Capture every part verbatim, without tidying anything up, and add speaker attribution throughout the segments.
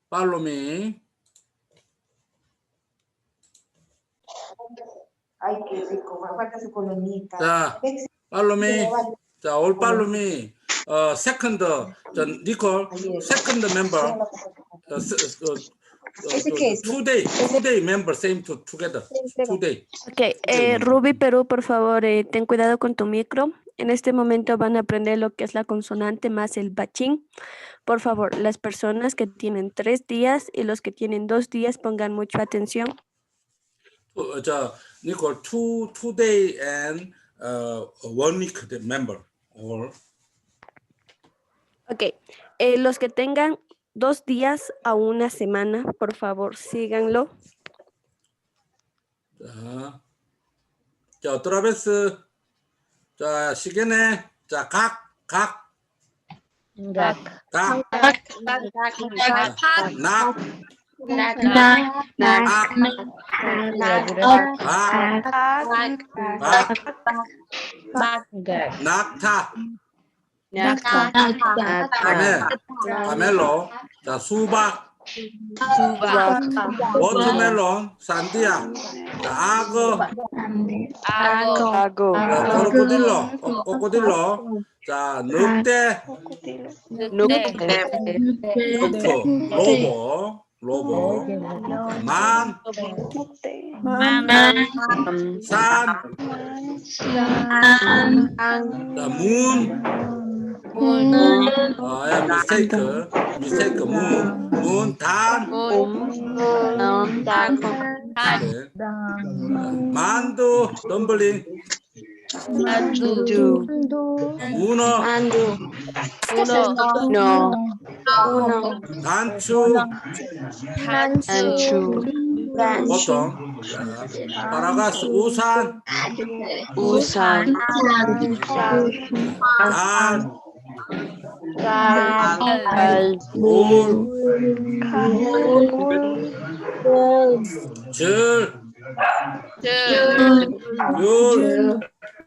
Speaker 1: follow me.
Speaker 2: Ay, qué rico, me falta su colonita.
Speaker 1: 자, follow me. 자, all follow me. 어, second, 저 니콜, second member. 어, 어, two day, two day member, same to, together. Two day.
Speaker 3: Ok, eh, Ruby Perú, por favor, eh, ten cuidado con tu micro. En este momento van a aprender lo que es la consonante más el bachín. Por favor, las personas que tienen tres días y los que tienen dos días pongan mucha atención.
Speaker 1: 어, 자, 니콜, two, two day and uh, one week member. Or.
Speaker 3: Ok, eh, los que tengan dos días a una semana, por favor, síganlo.
Speaker 1: 자, 자, otra vez. 자, 시계네. 자, 각, 각.
Speaker 4: 각.
Speaker 1: 각.
Speaker 4: 각.
Speaker 1: 낙.
Speaker 4: 낙.
Speaker 1: 악. 박. 낙타.
Speaker 4: 낙타.
Speaker 1: 카멜. 카멜로. 자, 수박.
Speaker 4: 수박.
Speaker 1: 워터멜론. 산디아. 자, 악어.
Speaker 4: 악어.
Speaker 1: 자, 코코딜로. 코코딜로. 자, 늑대.
Speaker 4: 늑대.
Speaker 1: 늑프. 로보. 로보. 만. 산. 자, 문.
Speaker 4: 문.
Speaker 1: 아, 야, mistake. mistake. 문. 문. 단. 네. 만두. 덤블링.
Speaker 4: 만두.
Speaker 1: 문어.
Speaker 4: 문어.
Speaker 1: 단추.
Speaker 4: 단추.
Speaker 1: 보통. 자, 파라가스. 우산.
Speaker 4: 우산.
Speaker 1: 달. 울. 줄. 율.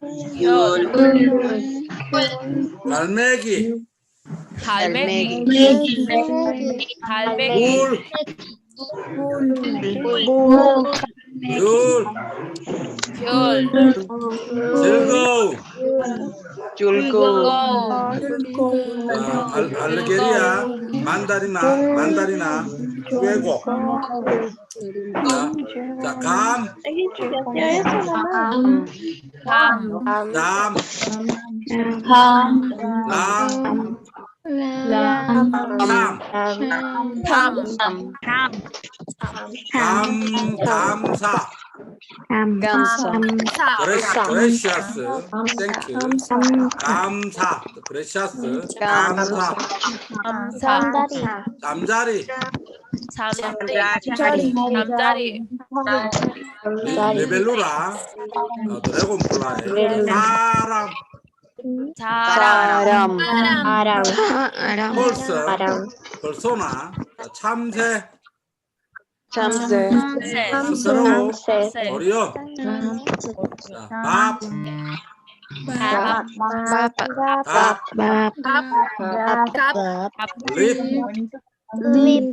Speaker 1: 갈매기.
Speaker 4: 갈매기.
Speaker 1: 울. 율. 즐거움.
Speaker 4: 즐거움.
Speaker 1: 아, 알, 알레게리아. 만다리나. 만다리나. 외국. 자, 자, 감. 남. 람. 참. 감. 감사. 그레시아스. 땡큐. 감사. 그레시아스. 감사. 잠자리.
Speaker 4: 잠자리.
Speaker 1: 리벨루라. 어, 드래곤플라이. 사람.
Speaker 4: 사람.
Speaker 1: 펄슨. 퍼소나. 참새.
Speaker 4: 참새.
Speaker 1: 스스로. 어리언. 자, 밥. 립.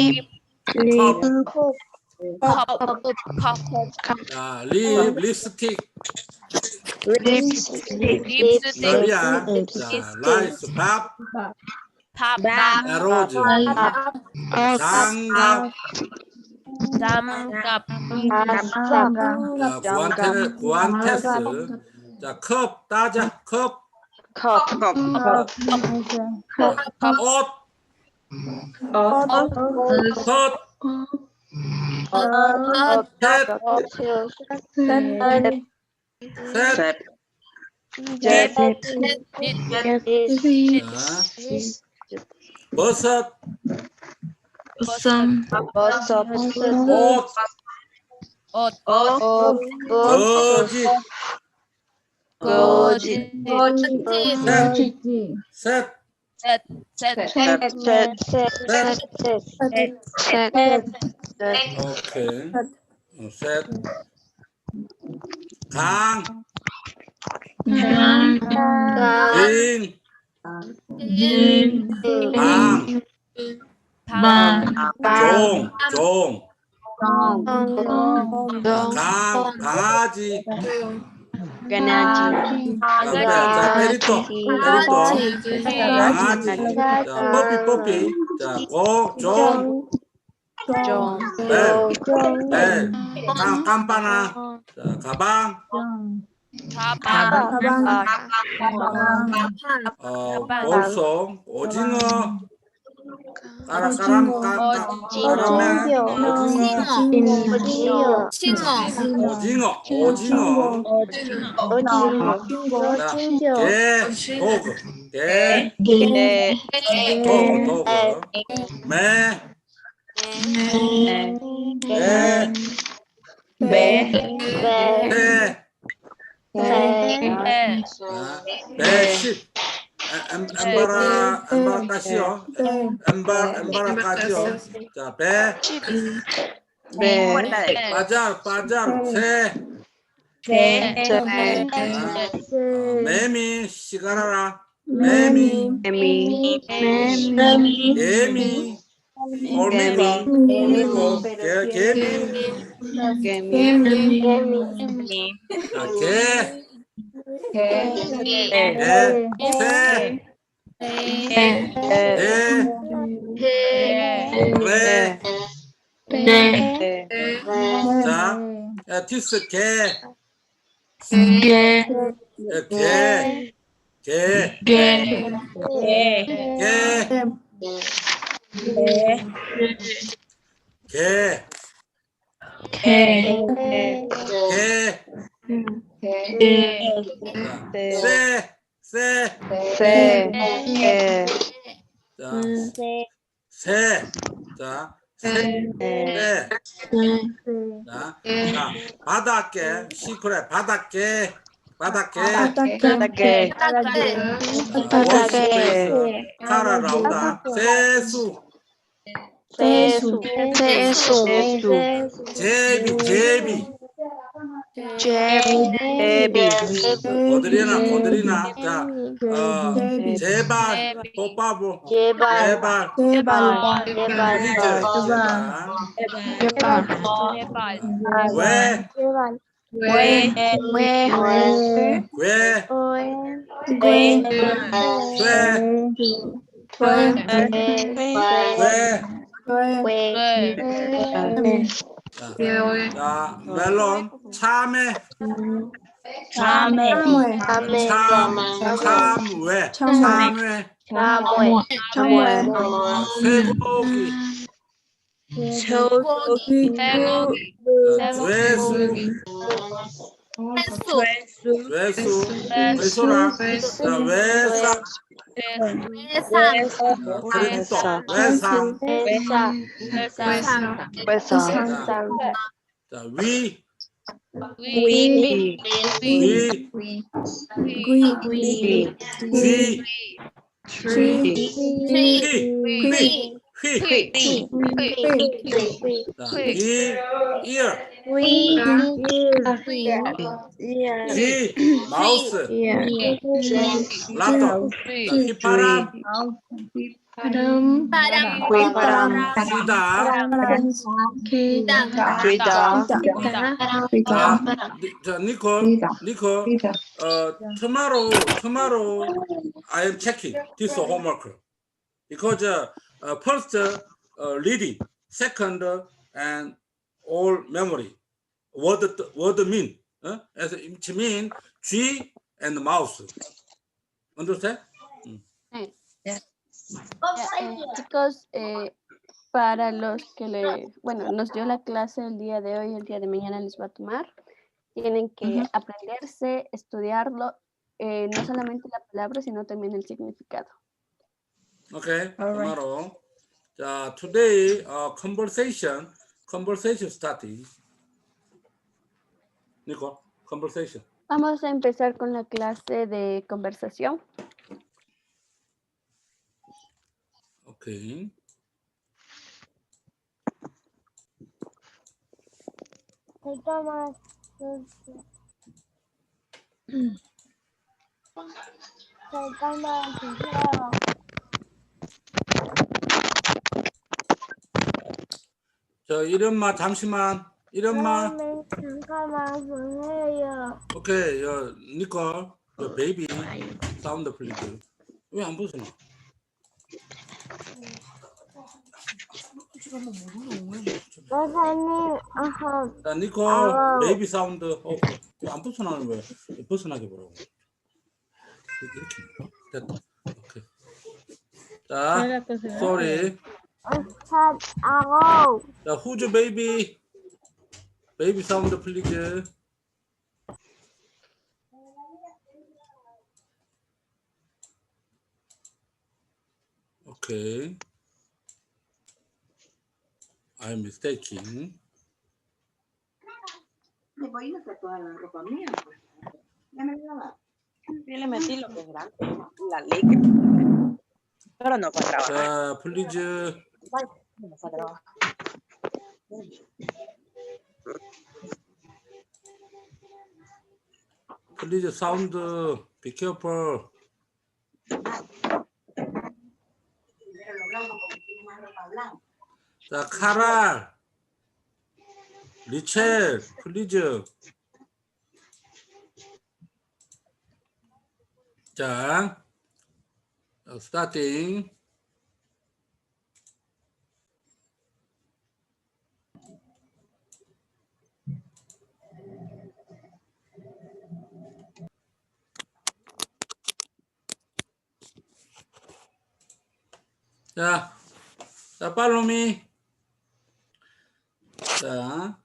Speaker 1: 자, 립. 립스틱. 러리아. 자, 라이스. 밥. 에로즈. 장갑.
Speaker 4: 장갑.
Speaker 1: 자, 구안테, 구안테스. 자, 컵. 따자. 컵.
Speaker 4: 컵.
Speaker 1: 옷. 컷. 셋. 셋.
Speaker 4: 셋.
Speaker 1: 버섯.
Speaker 4: 버섯.
Speaker 1: 옷.
Speaker 4: 옷.
Speaker 1: 거짓.
Speaker 4: 거짓.
Speaker 1: 셋.
Speaker 4: 셋.
Speaker 1: 오케이. 어, 셋. 강. 빈. 방.
Speaker 4: 방,
Speaker 1: 종, 종.
Speaker 4: 동,
Speaker 1: 강, 강아지.
Speaker 4: 강아지,
Speaker 1: 자, 빼, 자, 페리토, 페리토. 강아지. 자, 뽀삐, 뽀삐. 자, 고, 종,
Speaker 4: 종,
Speaker 1: 벨, 벨. 깜, 깜빠나. 자, 가방.
Speaker 4: 가방,
Speaker 1: 어, 볼송, 오징어. 까라, 까람, 까, 까, 까라멜, 오징어. 오징어, 오징어. 자, 개, 도그. 개,
Speaker 4: 개,
Speaker 1: 도그, 도그. 매, 배,
Speaker 4: 배,
Speaker 1: 새. 자, 배십. 엠, 엠바라, 엠바라까지요. 엠바, 엠바라까지요. 자, 배,
Speaker 4: 배,
Speaker 1: 바जार, 바जार, 새.
Speaker 4: 새,
Speaker 1: 자, 어, 매미, 시가라라. 매미,
Speaker 4: 개미,
Speaker 1: 개미, 올미미, 올미고, 개, 개미.
Speaker 4: 개미,
Speaker 1: 자, 개,
Speaker 4: 개,
Speaker 1: 개, 새,
Speaker 4: 개,
Speaker 1: 개, 개,
Speaker 4: 개,
Speaker 1: 자, 야, 디스 개,
Speaker 4: 개,
Speaker 1: 야, 개, 개,
Speaker 4: 개,
Speaker 1: 개, 개,
Speaker 4: 개,
Speaker 1: 개, 자, 새, 새,
Speaker 4: 새, 새,
Speaker 1: 자, 새, 자, 새, 새, 자, 자, 바닷개, 시크릿, 바닷개, 바닷개,
Speaker 4: 바닷개,
Speaker 1: 워스페이스, 카라 라우다, 세수,
Speaker 4: 세수, 세수,
Speaker 1: 제비, 제비,
Speaker 4: 제비,
Speaker 1: 고드리나, 고드리나, 자, 어, 제발, 뽀빠부, 제발, 플리즈, 제발, 왜,
Speaker 4: 왜, 왜,
Speaker 1: 왜, 왜, 왜, 자, 자, 멜론, 참외,
Speaker 4: 참외,
Speaker 1: 참, 참외, 참외,
Speaker 4: 참외,
Speaker 1: 어, 쇠고기,
Speaker 4: 소고기,
Speaker 1: 자, 죄수, 죄수, 외소라, 자, 외상, 자, 크레디토, 외상, 자, 자, 위,
Speaker 4: 위,
Speaker 1: 위,
Speaker 4: 위,
Speaker 1: 휘, 휘, 휘, 휘, 자, 귀, ear, 귀, 마우스, 랍더, 자, 휘파람,
Speaker 4: 휘파람,
Speaker 1: 시다,
Speaker 4: 귀다,
Speaker 1: 자, 니- 자, 니콜, 니콜, 어, tomorrow, tomorrow, I am checking this homework because uh, uh, first uh, reading, second uh, and all memory. What the, what the mean? Uh, as it mean G and mouse. Understand?
Speaker 3: Chicos, eh, para los que le, bueno, nos dio la clase el día de hoy, el día de mañana les va a tomar, tienen que aprenderse, estudiarlo, eh, no solamente la palabra, sino también el significado.
Speaker 1: Okay. Tomorrow. Uh, today, uh, conversation, conversation starting. Nicole, conversation.
Speaker 3: Vamos a empezar con la clase de conversación.
Speaker 1: Okay. 저 이름만 잠시만. 이름만.
Speaker 5: 잠깐만 보내요.
Speaker 1: 오케이. 여 니콜. 여 베이비 사운드 플리즈. 왜 안 벗어나?
Speaker 5: 선생님, 아하,
Speaker 1: 자, 니콜
Speaker 5: 아우.
Speaker 1: 베이비 사운드. 어, 왜안 벗어나는 거야? 벗어나게 보라고. 이렇게. 됐다. 오케이. 자, sorry.
Speaker 5: 첫, 아홉.
Speaker 1: 자, who's baby? 베이비 사운드 플리즈. 오케이. I'm mistaken.
Speaker 2: Me voy a ir a toda la ropa mía, pues. Ya me la lavo.
Speaker 4: Yo le metí lo que es grande, la liga. Pero no fue a trabajar.
Speaker 1: 자, 플리즈.
Speaker 4: No fue a trabajar.
Speaker 1: 플리즈 사운드. Be careful.
Speaker 2: Pero lo blanco porque tiene más ropa blanca.
Speaker 1: 자, 카랄. 리첼. 플리즈. 자, 스타팅. 자, 자, 팔로미. 자,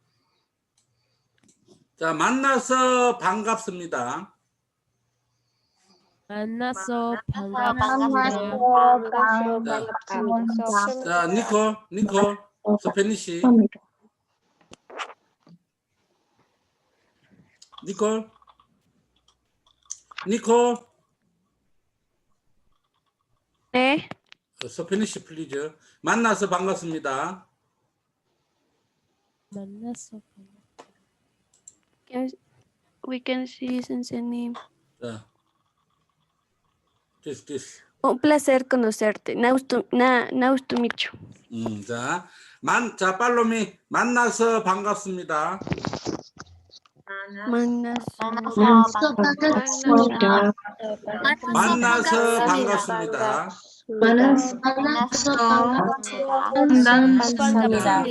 Speaker 1: 자, 만나서 반갑습니다.
Speaker 6: 만나서
Speaker 5: 만나서
Speaker 6: 반갑습니다.
Speaker 5: 반갑습니다.
Speaker 1: 자, 니콜, 니콜, 스페니시. 니콜, 니콜,
Speaker 3: 네.
Speaker 1: 스페니시 플리즈. 만나서 반갑습니다.
Speaker 6: 만나서
Speaker 3: Can- We can see 선생님.
Speaker 1: 자, this, this.
Speaker 3: Un placer conocerte. Nice to, na, nice to meet you.
Speaker 1: 음, 자, 만, 자, 팔로미. 만나서 반갑습니다.
Speaker 3: 만나서
Speaker 1: 만나서 반갑습니다.
Speaker 5: 만나서
Speaker 6: 반갑습니다.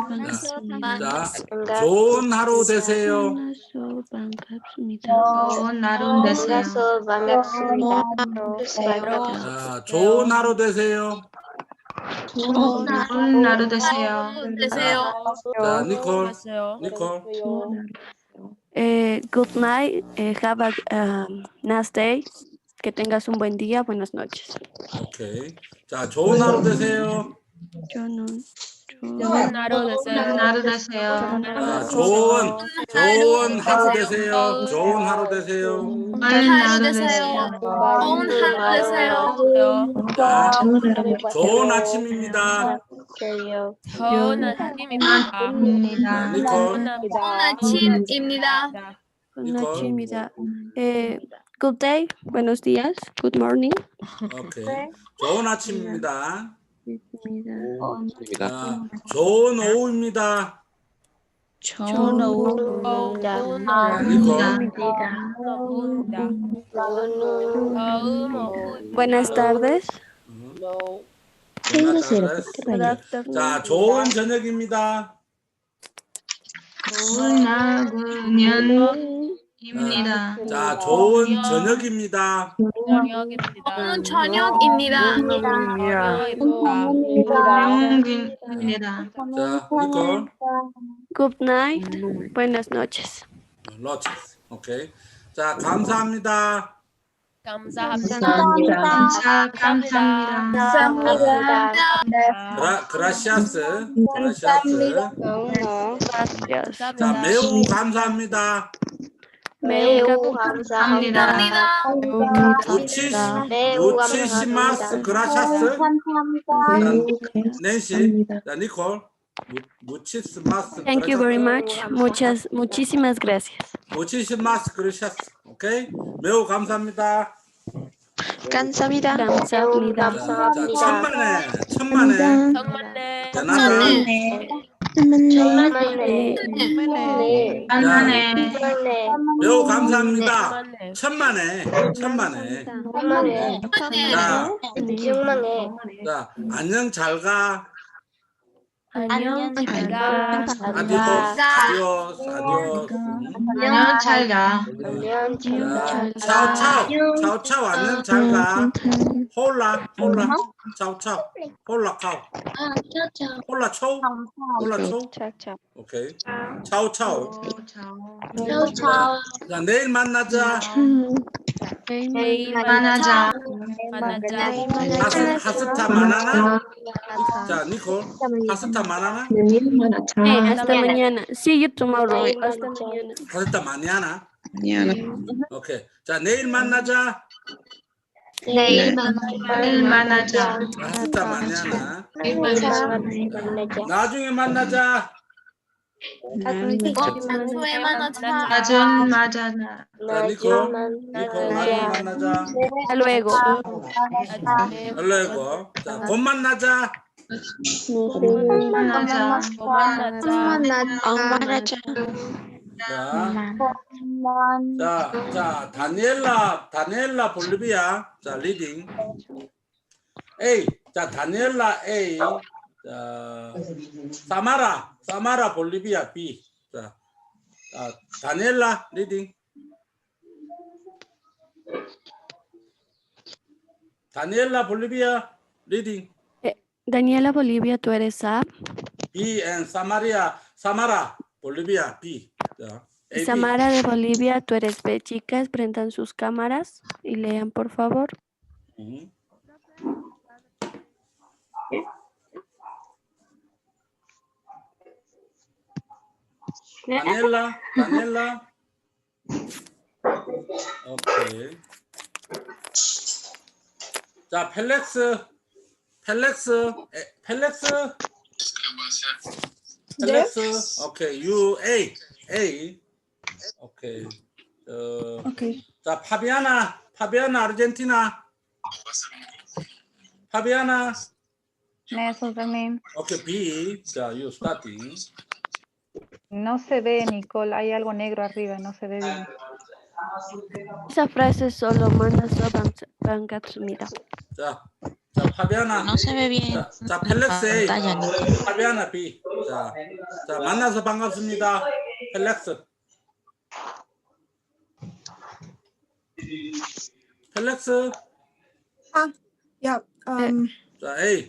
Speaker 1: 자, 좋은 하루 되세요.
Speaker 3: 만나서 반갑습니다.
Speaker 7: 좋은 하루 되세요.
Speaker 5: 반갑습니다.
Speaker 1: 자, 좋은 하루 되세요.
Speaker 7: 좋은 하루 되세요.
Speaker 1: 자, 니콜,
Speaker 6: 안녕하세요.
Speaker 1: 니콜.
Speaker 3: Eh, good night. Eh, have a um, nice day. Que tengas un buen día. Buenas noches.
Speaker 1: 오케이. 자, 좋은 하루 되세요.
Speaker 3: 저는
Speaker 6: 좋은 하루 되세요.
Speaker 7: 좋은 하루 되세요.
Speaker 1: 자, 좋은, 좋은 하루 되세요. 좋은 하루 되세요.
Speaker 7: 좋은 하루 되세요.
Speaker 6: 좋은 하루 되세요.
Speaker 1: 자, 좋은 아침입니다.
Speaker 6: 좋은 아침입니다.
Speaker 1: 자,
Speaker 7: 입니다.
Speaker 1: 니콜,
Speaker 6: 아침입니다.
Speaker 3: Good night. Eh, good day. Buenos días. Good morning.
Speaker 1: 오케이. 좋은 아침입니다.
Speaker 3: 입니다.
Speaker 1: 자, 좋은 오후입니다.
Speaker 7: 좋은 오후.
Speaker 1: 자,
Speaker 7: 입니다.
Speaker 1: 니콜,
Speaker 3: Buenas tardes.
Speaker 1: Good afternoon. 자, 좋은 저녁입니다.
Speaker 7: 좋은 학년입니다.
Speaker 1: 자, 좋은 저녁입니다.
Speaker 6: 저녁입니다. 저녁입니다.
Speaker 7: 영균입니다.
Speaker 1: 자, 니콜,
Speaker 3: Good night. Buenas noches.
Speaker 1: 러치스. 오케이. 자, 감사합니다.
Speaker 6: 감사합니다.
Speaker 7: 감사, 감사합니다.
Speaker 1: 그라, 그라시아스. 그라시아스.
Speaker 3: Gracias.
Speaker 1: 자, 매우 감사합니다.
Speaker 3: 매우
Speaker 7: 감사합니다.
Speaker 1: 무치, 무치시마스 그라시아스. 자, 낸시. 자, 니콜. 무- 무치스마스.
Speaker 3: Thank you very
Speaker 1: 그라시아스.
Speaker 3: much. Muchas, muchísimas gracias.
Speaker 1: 무치시마스 그라시아스. 오케이. 매우 감사합니다.
Speaker 3: 감사합니다.
Speaker 1: 자, 자, 천만에, 천만에.
Speaker 6: 정말네.
Speaker 1: 전화는
Speaker 3: 네.
Speaker 5: 천만에.
Speaker 7: 만만해.
Speaker 5: 천만에.
Speaker 1: 매우 감사합니다.
Speaker 6: 천만에.
Speaker 1: 천만에, 천만에.
Speaker 5: 천만에.
Speaker 1: 자,
Speaker 5: 천만에.
Speaker 1: 자, 안녕, 잘 가.
Speaker 6: 안녕 잘가.
Speaker 1: 아디오스, 아디오스, 아디오스. 음.
Speaker 7: 안녕, 잘 가.
Speaker 5: 안녕,
Speaker 1: 자,
Speaker 5: 잘
Speaker 1: 차오, 차오, 차오, 차오, 안녕, 잘 가. 홀라, 홀라, 차오, 차오, 홀라, 카오. 홀라, 초, 홀라, 초. 오케이. 차오, 차오.
Speaker 7: 차오.
Speaker 1: 자, 자, 내일 만나자.
Speaker 6: 내일
Speaker 7: 만나자.
Speaker 6: 만나자.
Speaker 1: 하스, 하스타 만나나? 자, 니콜, 하스타 만나나?
Speaker 3: Eh, hasta mañana. See you tomorrow. Hasta mañana.
Speaker 1: 하스타 많이 하나? 오케이. 자, 내일 만나자.
Speaker 5: 내일
Speaker 7: 내일 만나자.
Speaker 1: 하스타 많이 하나?
Speaker 5: 만나자.
Speaker 1: 나중에 만나자.
Speaker 6: 후에 만나자.
Speaker 7: 나중 만나자.
Speaker 1: 자, 니콜, 니콜, 나중에 만나자.
Speaker 3: Hasta luego.
Speaker 6: 나중에
Speaker 1: 얼레고. 자, 곧 만나자.
Speaker 7: 만나자.
Speaker 6: 만나자.
Speaker 1: 자, 자, 자, 다니엘라, 다니엘라 볼리비아. 자, 리딩. A. 자, 다니엘라 A. 자, 사마라, 사마라 볼리비아 B. 자, 자 다니엘라 리딩. 다니엘라 볼리비아 리딩.
Speaker 3: Daniela Bolivia, tú eres A.
Speaker 1: B and Samaria, Samara 볼리비아 B. 자, A, B.
Speaker 3: Samara de Bolivia, tú eres B. Chicas, prendan sus cámaras y lean, por favor.
Speaker 1: 음. 다니엘라, 다니엘라. 오케이. 자, 펠렉스, 펠렉스, 에, 펠렉스. 펠렉스. 오케이. U A A. 오케이. 어,
Speaker 8: 오케이.
Speaker 1: 자, 파비아나, 파비아나 아르헨티나. 파비아나.
Speaker 8: 네, 선생님.
Speaker 1: 오케이. B. 자, you starting.
Speaker 8: No se ve, Nicole. Hay algo negro arriba, no se ve bien.
Speaker 3: Esa frase solo manasa bangatsumida.
Speaker 1: 자, 자, 파비아나.
Speaker 9: No se ve bien.
Speaker 1: 자, 자 펠렉스 A.
Speaker 9: pantalla, Nico.
Speaker 1: 파비아나 B. 자, 자, 만나서 반갑습니다. 펠렉스. 펠렉스.
Speaker 10: 야, 음,
Speaker 1: 자, A.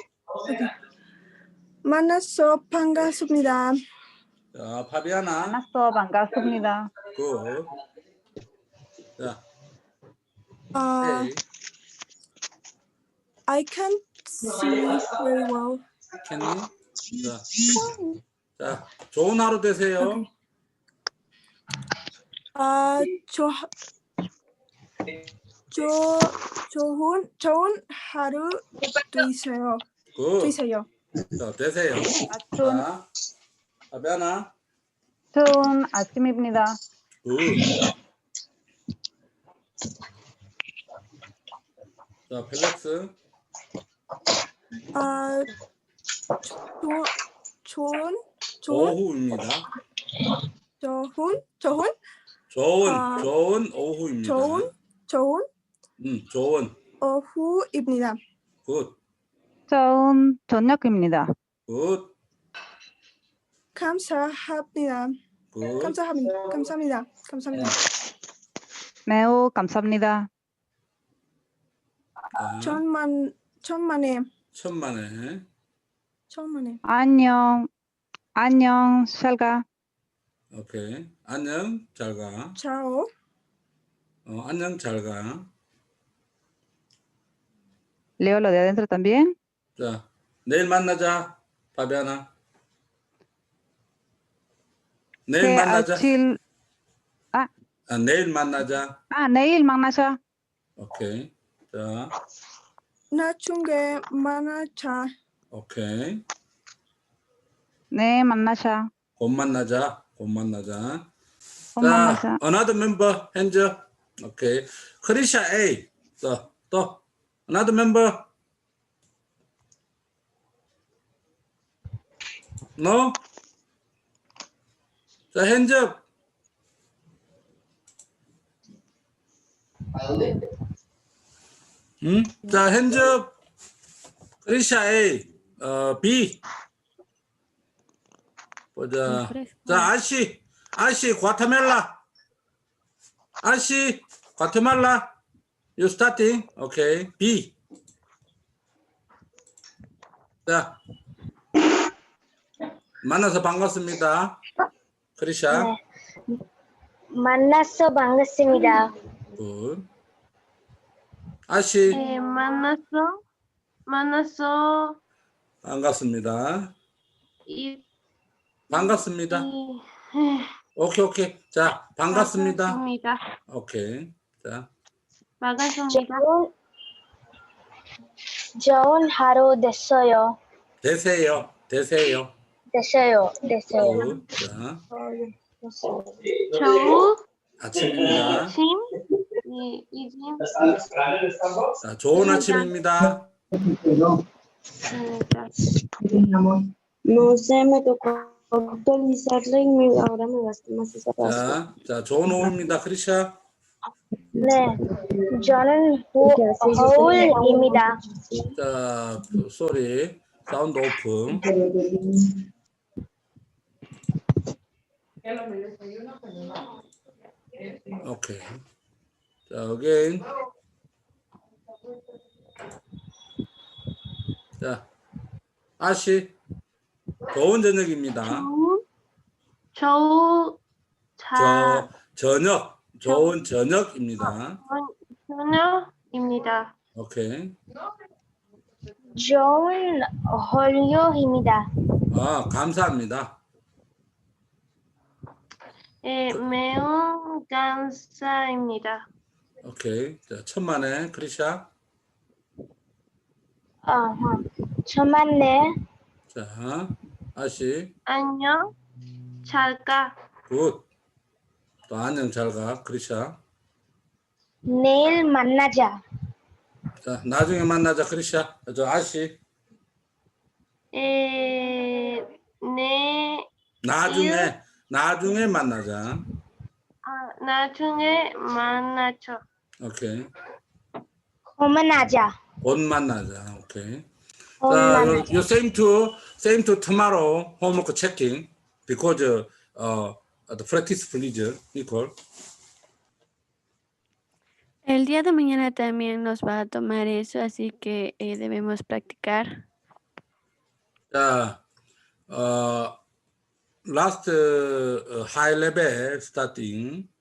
Speaker 10: 만나서 반갑습니다.
Speaker 1: 자, 파비아나.
Speaker 8: 만나서 반갑습니다.
Speaker 1: 굿. 자,
Speaker 10: 아,
Speaker 1: A.
Speaker 10: I can't see very well.
Speaker 1: Can you? 자, 자, 좋은 하루 되세요.
Speaker 10: 아, 저, 저, 좋은, 좋은 하루 되세요.
Speaker 1: 굿.
Speaker 10: 되세요.
Speaker 1: 자, 되세요.
Speaker 8: 좋은,
Speaker 1: 자, 파비아나.
Speaker 8: 좋은 아침입니다.
Speaker 1: 굿. 자, 펠렉스.
Speaker 10: 아, 조, 좋은, 좋은,
Speaker 1: 오후입니다.
Speaker 10: 좋은, 좋은,
Speaker 1: 좋은,
Speaker 10: 아,
Speaker 1: 좋은 오후입니다.
Speaker 10: 좋은, 좋은
Speaker 1: 음, 좋은.
Speaker 10: 오후입니다.
Speaker 1: 굿,
Speaker 8: 좋은 저녁입니다.
Speaker 1: 굿,
Speaker 10: 감사합니다.
Speaker 1: 굿.
Speaker 10: 감사합니다. 감사합니다. 감사합니다.
Speaker 8: 매우 감사합니다.
Speaker 1: 자,
Speaker 10: 천만, 천만에,
Speaker 1: 천만에.
Speaker 10: 천만에.
Speaker 8: 안녕. 안녕, 샬가.
Speaker 1: 오케이. 안녕, 잘 가.
Speaker 10: 차오.
Speaker 1: 어, 안녕, 잘 가.
Speaker 8: Leo lo de adentro también.
Speaker 1: 자, 내일 만나자, 파비아나. 내일
Speaker 8: 네,
Speaker 1: 만나자.
Speaker 8: 아침,
Speaker 1: 아, 내일 만나자.
Speaker 8: 아, 내일 만나자.
Speaker 1: 오케이. 자,
Speaker 10: 나중에 만나자.
Speaker 1: 오케이.
Speaker 8: 네, 만나자.
Speaker 1: 곧 만나자. 곧 만나자.
Speaker 8: 곧
Speaker 1: 자,
Speaker 8: 만나자.
Speaker 1: another member, hands up. 오케이. 크리샤 A. 또, 또. another member. No? 자, hands up. 음? 자, hands up. 크리샤 A, 어, B. 보자. 자, 아시, 아시, 과테말라. 아시, 과테말라. You starting? Okay. B. 자, 만나서 반갑습니다. 크리샤.
Speaker 5: 네. 만나서 반갑습니다.
Speaker 1: 굿. 아시,
Speaker 3: 네, 만났어? 만났어?
Speaker 1: 반갑습니다.
Speaker 3: 이,
Speaker 1: 반갑습니다.
Speaker 3: 이,
Speaker 1: 오케이, 오케이. 자, 반갑습니다.
Speaker 3: 반갑습니다.
Speaker 1: 오케이. 자,
Speaker 3: 반갑습니다.
Speaker 5: 좋은, 좋은 하루 됐어요.
Speaker 1: 되세요. 되세요.
Speaker 5: 됐어요. 됐어요.
Speaker 1: 굿. 자,
Speaker 3: 좋은
Speaker 1: 아침입니다.
Speaker 3: 아침. 이, 이짐.
Speaker 1: 자, 좋은 아침입니다.
Speaker 5: No sé, me tocó actualizarla y me- ahora me gasta más esa
Speaker 1: 자,
Speaker 5: pasta.
Speaker 1: 자, 좋은 오후입니다. 크리샤.
Speaker 5: 네, 저는 호, 허울입니다.
Speaker 1: 자, 소리. 사운드 오픈. 오케이. 자, again. 자, 아시. 좋은 저녁입니다.
Speaker 3: 좋은 자,
Speaker 1: 저, 저녁. 좋은 저녁입니다.
Speaker 3: 저녁입니다.
Speaker 1: 오케이.
Speaker 5: 좋은 홀요입니다.
Speaker 1: 아, 감사합니다.
Speaker 3: 예, 매운 감사입니다.
Speaker 1: 오케이. 자, 천만에 크리샤.
Speaker 5: 어허. 천만에
Speaker 1: 자, 아시.
Speaker 3: 안녕. 잘 가.
Speaker 1: 굿. 또 안녕 잘 가. 크리샤.
Speaker 5: 내일 만나자.
Speaker 1: 자, 나중에 만나자. 크리샤. 저 아시.
Speaker 3: 에, 네,
Speaker 1: 나중에 나중에 만나자.
Speaker 3: 아, 나중에 만나죠.
Speaker 1: 오케이.
Speaker 5: 그만하자.
Speaker 1: 곧 만나자. 오케이. 자,
Speaker 5: 그만하자.
Speaker 1: you same to same to tomorrow homework checking because uh, the practice please equal.
Speaker 3: El día de mañana también nos va a tomar eso, así que eh, debemos practicar.
Speaker 1: 자, uh, last uh, high level starting.